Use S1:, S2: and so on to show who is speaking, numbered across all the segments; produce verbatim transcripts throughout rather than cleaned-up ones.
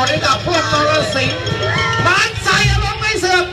S1: ให้กับพวกนรสิงห์มันใส่อารมณ์ไม่เสื่อม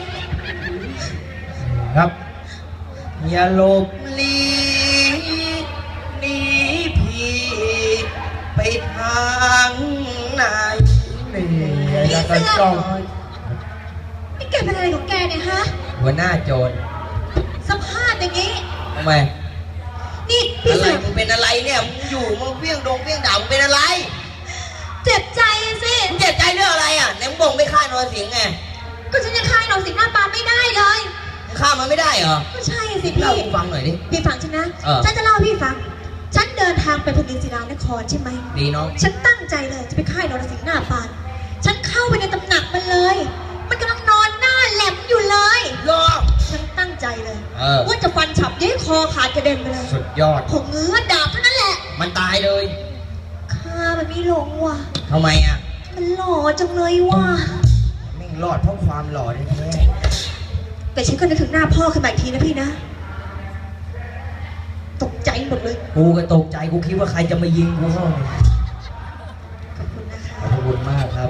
S1: ครับอย่าหลบลีหนีพี่ไปทางไหนนี่แล้วก็จ้อง
S2: นี่แกเป็นอะไรของแกเนี่ยฮะ
S1: หัวหน้าโจร
S2: สภาพอย่างนี้
S1: ทำไม
S2: นี่พี่เสือ
S1: มึงเป็นอะไรเนี่ยมึงอยู่มึงเพี้ยงดงเพี้ยงด่ามึงเป็นอะไร
S2: เจ็บใจสิ
S1: มึงเจ็บใจเรื่องอะไรอ่ะไหนมึงบอกไม่ฆ่านรสิงห์ไง
S2: ก็ฉันยังฆ่านรสิงห์หน้าปานไม่ได้เลย
S1: มึงฆ่ามันไม่ได้เหรอ
S2: ก็ใช่สิพี่
S1: เล่าให้ฟังหน่อยดิ
S2: พี่ฟังฉันนะฉันจะเล่าให้พี่ฟังฉันเดินทางไปพนินศิลานครใช่ไหม
S1: ดีน้อง
S2: ฉันตั้งใจเลยจะไปฆ่านรสิงห์หน้าปานฉันเข้าไปในตำหนักมันเลยมันกำลังนอนหน้าแหลมอยู่เลย
S1: รอ
S2: ฉันตั้งใจเลย
S1: ว่า
S2: จะฟันฉับย้ายคอขาดกระเด็นไปเลย
S1: สุดยอด
S2: ผมเงื้อดาบเท่านั้นแหละ
S1: มันตายเลย
S2: ฆ่ามันไม่ลงว่ะ
S1: ทำไมอ่ะ
S2: มันหล่อจังเลยว่ะ
S1: ไม่รอดเพราะความหล่อแท้
S2: แต่ฉันก็นึกถึงหน้าพ่อขึ้นมาอีกทีนะพี่นะตกใจหมดเลย
S1: กูก็ตกใจกูคิดว่าใครจะมายิงกูเข้า
S2: ขอบคุณนะคะ
S1: ขอบคุณมากครับ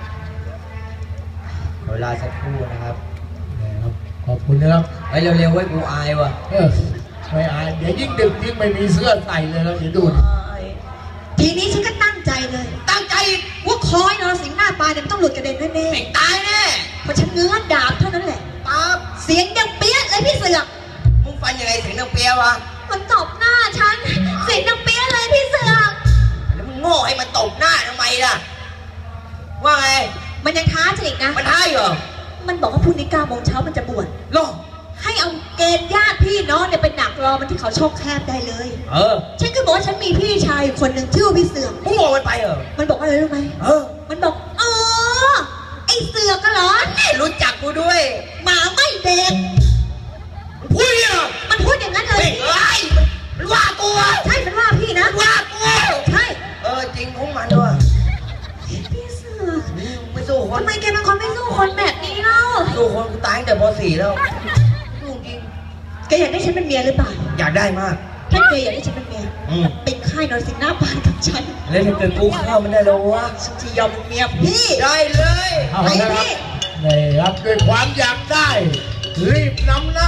S1: เวลาสักครู่นะครับ
S3: ขอบคุณนะครับ
S1: ไปเร็วๆไว้กูอายว่ะ
S3: เออไม่อายเดี๋ยวยิ่งดึกยิ่งไม่มีเสื้อใส่เลยแล้วเดี๋ยวดู
S2: ทีนี้ฉันก็ตั้งใจเลย
S1: ตั้งใจ
S2: ว่าคอยนรสิงห์หน้าปลายเนี่ยมันต้องหลุดกระเด็นแน่ๆ
S1: ไม่ตายแน่
S2: เพราะฉันเงื้อดาบเท่านั้นแหละ
S1: ปั๊บ
S2: เสียงดังเปี้ยเลยพี่เสือก
S1: มึงฟันยังไงเสียงดังเปี้ยวะ
S2: มันตบหน้าฉันเสียงดังเปี้ยเลยพี่เสือก
S1: แล้วมึงโง่ให้มันตบหน้าทำไมล่ะว่าไง
S2: มันยังท้าฉันอีกนะ
S1: มันท้าเหรอ
S2: มันบอกว่าพรุ่งนี้เก้าโมงเช้ามันจะบวช
S1: หรอ
S2: ให้เอาเกณฑ์ญาติพี่น้องเนี่ยไปหนักรอมันที่เขาช่องแคบได้เลย
S1: เออ
S2: ฉันก็บอกว่าฉันมีพี่ชายอยู่คนหนึ่งชื่อพี่เสือก
S1: มึงบอกมันไปเหรอ
S2: มันบอกอะไรรู้ไหม
S1: เออ
S2: มันบอกอ๋อไอเสือกก็เหรอ
S1: นี่รู้จักกูด้วย
S2: หมาไม่เด็ก
S1: พูดเหรอ
S2: มันพูดอย่างนั้นเลย
S1: ไอ้มันว่ากู
S2: ใช่มันว่าพี่นะ
S1: ว่ากู
S2: ใช่
S1: เออจริงของมันด้วย
S2: พี่เสือก
S1: ไม่สู้คน
S2: ทำไมแกเป็นคนไม่สู้คนแบบนี้เล่า
S1: สู้คนกูตายตั้งแต่ป .สี่ แล้ว
S2: แกอยากได้ฉันเป็นเมียหรือเปล่า
S1: อยากได้มาก
S2: ถ้าแกอยากได้ฉันเป็นเมียเป็นค่ายนรสิงห์หน้าปานกับฉัน
S1: แล้วถ้าเกิดกูเข้ามันได้แล้ววะ
S2: ฉันจะยอมเป็นเมียพี่
S1: ได้เลย
S3: ไปพี่นี่ครับด้วยความอยากได้รีบนำหน้า